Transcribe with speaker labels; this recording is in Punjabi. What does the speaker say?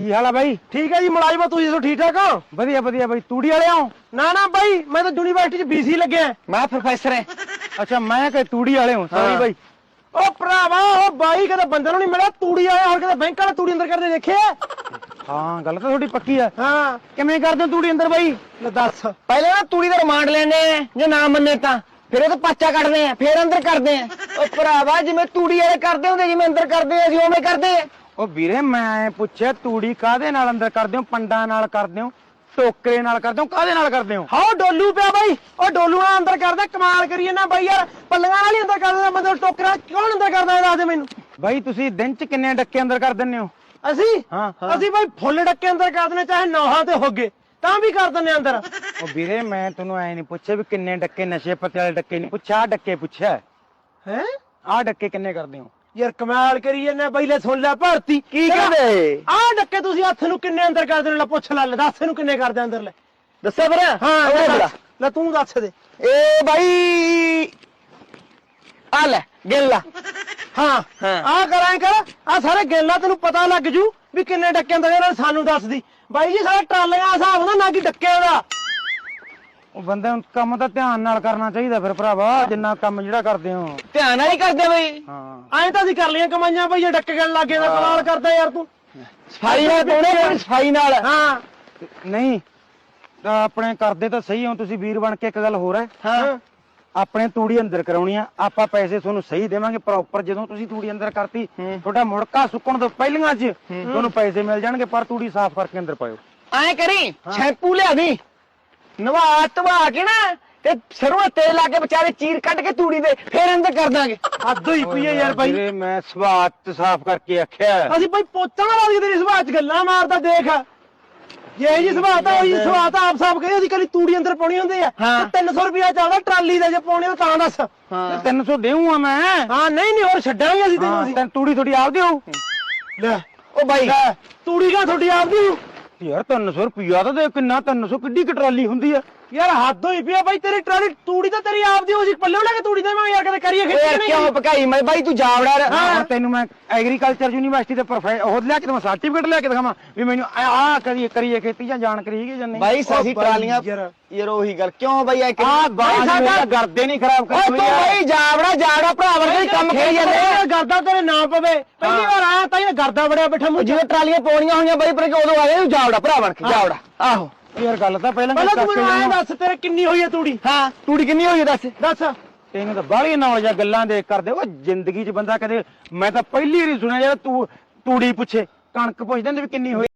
Speaker 1: ਕੀ ਹਾਲ ਆ ਬਾਈ?
Speaker 2: ਠੀਕ ਹੈ ਜੀ ਮੁਲਾਜ਼ਮ, ਤੁਸੀਂ ਦੱਸੋ ਠੀਕ ਠਾਕ ਹੋ?
Speaker 1: ਵਧੀਆ ਵਧੀਆ ਬਾਈ। ਤੂੜੀ ਵਾਲੇ ਹੋ?
Speaker 2: ਨਾ ਬਾਈ, ਮੈਂ ਤਾਂ ਯੂਨੀਵਰਸਿਟੀ 'ਚ BC ਲੱਗਿਆ।
Speaker 1: ਮੈਂ ਪ੍ਰੋਫੈਸਰ ਹਾਂ। ਅੱਛਾ, ਮੈਂ ਕਿ ਤੂੜੀ ਵਾਲੇ ਹਾਂ। ਸੌਰੀ ਬਾਈ।
Speaker 2: ਉਹ ਭਰਾਵਾ, ਉਹ ਬਾਈ ਕਦੇ ਬੰਦੇ ਨੂੰ ਨਹੀਂ ਮਿਲਿਆ ਤੂੜੀ ਵਾਲੇ, ਹੋਰ ਕਦੇ ਬੈਂਕ ਵਾਲੇ ਤੂੜੀ ਅੰਦਰ ਕਰਦੇ ਦੇਖਿਆ?
Speaker 1: ਹਾਂ, ਗੱਲ ਤਾਂ ਤੁਹਾਡੀ ਪੱਕੀ ਆ।
Speaker 2: ਹਾਂ,
Speaker 1: ਕਿਵੇਂ ਕਰਦੇ ਹੋ ਤੂੜੀ ਅੰਦਰ ਬਾਈ?
Speaker 2: ਲੈ ਦੱਸ।
Speaker 3: ਪਹਿਲੇ ਨਾ ਤੂੜੀ ਦਾ ਰਿਮਾਂਡ ਲੈਣੇ ਆ, ਜੇ ਨਾ ਮੰਨੇ ਤਾਂ ਫਿਰ ਉਹ ਤੋਂ ਪਾਚਾ ਕੱਢਦੇ ਆ, ਫਿਰ ਅੰਦਰ ਕਰਦੇ ਆ। ਉਹ ਭਰਾਵਾ, ਜਿਵੇਂ ਤੂੜੀ ਵਾਲੇ ਕਰਦੇ ਹੁੰਦੇ, ਜਿਵੇਂ ਅੰਦਰ ਕਰਦੇ ਆ, ਅਸੀਂ ਉਵੇਂ ਕਰਦੇ ਆ।
Speaker 1: ਉਹ ਵੀਰੇ, ਮੈਂ ਪੁੱਛਿਆ ਤੂੜੀ ਕਾਹਦੇ ਨਾਲ ਅੰਦਰ ਕਰਦੇ ਹੋ? ਪੰਡਾਂ ਨਾਲ ਕਰਦੇ ਹੋ, ਟੋਕਰੇ ਨਾਲ ਕਰਦੇ ਹੋ, ਕਾਹਦੇ ਨਾਲ ਕਰਦੇ ਹੋ?
Speaker 2: ਹਾਂ, ਡੋਲੂ ਪਿਆ ਬਾਈ, ਉਹ ਡੋਲੂ ਨਾਲ ਅੰਦਰ ਕਰਦਾ। ਕਮਾਲ ਕਰੀਏ ਨਾ ਬਾਈ ਯਾਰ, ਪੱਲੀਆਂ ਨਾਲ ਹੀ ਅੰਦਰ ਕਰਦਾ, ਮਤਲਬ ਟੋਕਰਾ ਕੌਣ ਅੰਦਰ ਕਰਦਾ ਇਹ ਦੱਸ ਦੇ ਮੈਨੂੰ।
Speaker 1: ਬਾਈ, ਤੁਸੀਂ ਦਿਨ 'ਚ ਕਿੰਨੇ ਡੱਕੇ ਅੰਦਰ ਕਰ ਦਿੰਦੇ ਹੋ?
Speaker 2: ਅਸੀਂ
Speaker 1: ਹਾਂ।
Speaker 2: ਅਸੀਂ ਬਾਈ ਫੁੱਲ ਡੱਕੇ ਅੰਦਰ ਕਰ ਦਿੰਦੇ, ਚਾਹੇ ਨੌਹਾਂ ਤੇ ਹੋਗੇ ਤਾਂ ਵੀ ਕਰ ਦਿੰਦੇ ਅੰਦਰ।
Speaker 1: ਉਹ ਵੀਰੇ, ਮੈਂ ਤੁਹਾਨੂੰ ਐ ਨਹੀਂ ਪੁੱਛਿਆ ਵੀ ਕਿੰਨੇ ਡੱਕੇ, ਨਸ਼ੇ ਪੱਤੇ ਵਾਲੇ ਡੱਕੇ ਨਹੀਂ ਪੁੱਛਿਆ, ਆਹ ਡੱਕੇ ਪੁੱਛਿਆ।
Speaker 2: ਹੈ
Speaker 1: ਆਹ ਡੱਕੇ ਕਿੰਨੇ ਕਰਦੇ ਹੋ?
Speaker 2: ਯਾਰ ਕਮਾਲ ਕਰੀਏ ਨਾ ਬਾਈ, ਲੈ ਸੁਣ ਲੈ ਭਰਤੀ
Speaker 3: ਕੀ ਕਹਿੰਦੇ?
Speaker 2: ਆਹ ਡੱਕੇ ਤੁਸੀਂ ਹੱਥ ਨੂੰ ਕਿੰਨੇ ਅੰਦਰ ਕਰਦੇ ਨੇ? ਲੈ ਪੁੱਛ ਲੈ, ਦੱਸ ਇਹਨੂੰ ਕਿੰਨੇ ਕਰਦੇ ਅੰਦਰ? ਲੈ
Speaker 3: ਦੱਸਿਆ ਫਿਰ?
Speaker 2: ਹਾਂ, ਲੈ ਤੂੰ ਦੱਸ ਦੇ।
Speaker 3: ਏ ਬਾਈ, ਆ ਲੈ ਗਿਣ ਲਾ।
Speaker 2: ਹਾਂ, ਆਹ ਕਰਾਂ ਕਰ, ਆਹ ਸਾਰੇ ਗੇਲਾ ਤੈਨੂੰ ਪਤਾ ਲੱਗ ਜੂ ਵੀ ਕਿੰਨੇ ਡੱਕੇ ਅੰਦਰ ਇਹਨਾਂ ਸਾਨੂੰ ਦੱਸਦੀ। ਬਾਈ ਜੀ, ਸਾਡਾ ਟਰਾਲਿਆਂ ਦਾ ਹਿਸਾਬ ਹੁੰਦਾ, ਨਾ ਕਿ ਡੱਕਿਆਂ ਦਾ।
Speaker 1: ਉਹ ਬੰਦੇ ਨੂੰ ਕੰਮ ਤਾਂ ਧਿਆਨ ਨਾਲ ਕਰਨਾ ਚਾਹੀਦਾ ਫਿਰ ਭਰਾਵਾ, ਜਿੰਨਾ ਕੰਮ ਜਿਹੜਾ ਕਰਦੇ ਹੋ।
Speaker 3: ਧਿਆਨ ਨਾਲ ਹੀ ਕਰਦੇ ਬਈ।
Speaker 1: ਹਾਂ,
Speaker 2: ਐਂ ਤਾਂ ਅਸੀਂ ਕਰ ਲਈਆਂ ਕਮਾਈਆਂ ਬਈ, ਜੇ ਡੱਕੇ ਗਣ ਲੱਗੇ ਤਾਂ ਕਮਾਲ ਕਰਦਾ ਯਾਰ ਤੂੰ।
Speaker 3: ਸਫਾਈ ਨਾਲ ਪਾਉਣੇ, ਸਫਾਈ ਨਾਲ।
Speaker 2: ਹਾਂ
Speaker 1: ਨਹੀਂ ਤਾਂ ਆਪਣੇ ਕਰਦੇ ਤਾਂ ਸਹੀ ਹੋ ਤੁਸੀਂ ਵੀਰ ਬਣ ਕੇ। ਇੱਕ ਗੱਲ ਹੋਰ ਹੈ,
Speaker 3: ਹਾਂ,
Speaker 1: ਆਪਣੇ ਤੂੜੀ ਅੰਦਰ ਕਰਾਉਣੀ ਆ, ਆਪਾਂ ਪੈਸੇ ਤੁਹਾਨੂੰ ਸਹੀ ਦੇਵਾਂਗੇ ਪ੍ਰੋਪਰ। ਜਦੋਂ ਤੁਸੀਂ ਤੂੜੀ ਅੰਦਰ ਕਰਤੀ, ਤੁਹਾਡਾ ਮੁੜਕਾ ਸੁੱਕਣ ਤੋਂ ਪਹਿਲੀਆਂ 'ਚ ਤੁਹਾਨੂੰ ਪੈਸੇ ਮਿਲ ਜਾਣਗੇ, ਪਰ ਤੂੜੀ ਸਾਫ਼ ਕਰਕੇ ਅੰਦਰ ਪਾਇਓ।
Speaker 3: ਐਂ ਕਰੀ, ਸ਼ੈਂਪੂ ਲਿਆ ਦੀ, ਨਵਾ ਧਵਾ ਕੇ ਨਾ ਤੇ ਸਰੋਂ ਦਾ ਤੇਲ ਲਾ ਕੇ ਵਿਚਾਰੇ ਚੀਰ ਕੱਢ ਕੇ ਤੂੜੀ ਦੇ, ਫਿਰ ਅੰਦਰ ਕਰ ਦਾਂਗੇ।
Speaker 2: ਹੱਦ ਹੋਈ ਪਈ ਹੈ ਯਾਰ ਬਾਈ।
Speaker 1: ਵੀਰੇ, ਮੈਂ ਸਵਾਤ ਸਾਫ਼ ਕਰਕੇ ਆਖਿਆ।
Speaker 2: ਅਸੀਂ ਬਾਈ ਪੋਚਾ ਨਾ ਲਾ ਤੇਰੀ ਸੁਭਾਅ ਚ ਗੱਲਾਂ ਮਾਰਦਾ ਦੇਖ। ਜੇ ਜੀ ਸੁਭਾਅ ਤਾਂ ਉਹੀ ਸੁਭਾਅ ਤਾਂ ਆਪ ਸਾਫ ਕਹੇ, ਅਸੀਂ ਕੱਲੀ ਤੂੜੀ ਅੰਦਰ ਪਾਉਣੀ ਹੁੰਦੀ ਆ। 300 ਰੁਪਇਆ ਚੱਲਦਾ ਟਰਾਲੀ ਦਾ, ਜੇ ਪਾਉਣੀ ਤਾਂ ਦੱਸ।
Speaker 1: 300 ਦੇਊਂਗਾ ਮੈਂ।
Speaker 2: ਹਾਂ, ਨਹੀਂ ਹੋਰ ਛੱਡਾਂਗੇ ਅਸੀਂ ਤੈਨੂੰ।
Speaker 1: ਤੈਨੂੰ ਤੂੜੀ ਤੁਹਾਡੀ ਆਪਦੀ ਹੋਊ?
Speaker 2: ਲੈ
Speaker 3: ਉਹ ਬਾਈ,
Speaker 2: ਤੂੜੀ ਕਾ ਤੁਹਾਡੀ ਆਪਦੀ ਹੋਊ?
Speaker 1: ਯਾਰ 300 ਰੁਪਇਆ ਤਾਂ ਦੇ, ਕਿੰਨਾ 300 ਕਿੱਡੀ ਕੁ ਟਰਾਲੀ ਹੁੰਦੀ ਆ?
Speaker 2: ਯਾਰ ਹੱਦ ਹੋਈ ਪਿਆ ਬਾਈ, ਤੇਰੀ ਟਰਾਲੀ ਤੂੜੀ ਤਾਂ ਤੇਰੀ ਆਪਦੀ ਹੋਊ, ਅਸੀਂ ਪੱਲੇ ਲੈ ਕੇ ਤੂੜੀ ਦੇਵਾਂਗੇ ਯਾਰ, ਕਦੇ ਕਰੀਏ
Speaker 3: ਯਾਰ
Speaker 2: ਖੇਤੀ
Speaker 3: ਕਿਉਂ
Speaker 2: ਨਹੀਂ।
Speaker 3: ਭਕਾਈ ਮੈਂ ਬਾਈ, ਤੂੰ ਜਾਵੜਾ।
Speaker 1: ਹਾਂ, ਤੈਨੂੰ ਮੈਂ ਐਗਰੀਕਲਚਰ ਯੂਨੀਵਰਸਿਟੀ ਦੇ ਉਹ ਲਿਆ ਕੇ ਦਵਾਂ, ਸਰਟੀਫਿਕੇਟ ਲਿਆ ਕੇ ਦਿਖਾਵਾਂ ਵੀ ਮੈਨੂੰ ਆਹ ਕਰੀਏ ਖੇਤੀ ਜਾਂ ਜਾਣਕਾਰੀ ਹੈਗੀ ਜਾਂ ਨਹੀਂ?
Speaker 3: ਬਾਈ ਸਾਡੀ ਟਰਾਲੀਆਂ ਯਾਰ ਉਹੀ ਗੱਲ ਕਿਉਂ ਬਾਈ? ਆ
Speaker 1: ਬਾਈ ਸਾਡਾ ਗਰਦੇ ਨਹੀਂ ਖਰਾਬ
Speaker 3: ਓਏ ਤੂੰ ਬਾਈ ਜਾਵੜਾ ਭਰਾ ਵਰਗੇ ਕੰਮ ਕਰੀ ਜਾਂਦੇ।
Speaker 2: ਗਰਦਾ ਤੇਰੇ ਨਾ ਪਵੇ, ਪਹਿਲੀ ਵਾਰ ਆਇਆ ਤਾਂ ਇਹ ਗਰਦਾ ਬੜਿਆ ਬੈਠਾ ਮੂੰਹ।
Speaker 3: ਜਿਵੇਂ ਟਰਾਲੀਆਂ ਪਾਉਣੀਆਂ ਹੋਈਆਂ ਬਾਈ, ਪਰ ਉਦੋਂ ਆ ਗਏ ਜਾਵੜਾ ਭਰਾ ਬਣ ਕੇ, ਜਾਵੜਾ। ਆਹੋ
Speaker 1: ਯਾਰ ਗੱਲ ਤਾਂ ਪਹਿਲਾਂ
Speaker 2: ਤੂੰ ਮੈਨੂੰ ਐਂ ਦੱਸ, ਤੇਰੇ ਕਿੰਨੀ ਹੋਈ ਹੈ ਤੂੜੀ?
Speaker 3: ਹਾਂ, ਤੂੜੀ ਕਿੰਨੀ ਹੋਈ ਦੱਸ?
Speaker 2: ਦੱਸ।
Speaker 1: ਤੈਨੂੰ ਤਾਂ ਬਾਹਲੀ ਨੌਲੇਜ ਆ ਗੱਲਾਂ ਦੇ ਕਰਦੇ। ਉਹ ਜ਼ਿੰਦਗੀ 'ਚ ਬੰਦਾ ਕਦੇ, ਮੈਂ ਤਾਂ ਪਹਿਲੀ ਵਾਰੀ ਸੁਣਿਆ ਯਾਰ ਤੂੰ ਤੂੜੀ ਪੁੱਛੇ, ਕਣਕ ਪੁੱਛਦੇ ਨੇ ਵੀ ਕਿੰਨੀ ਹੋਈ।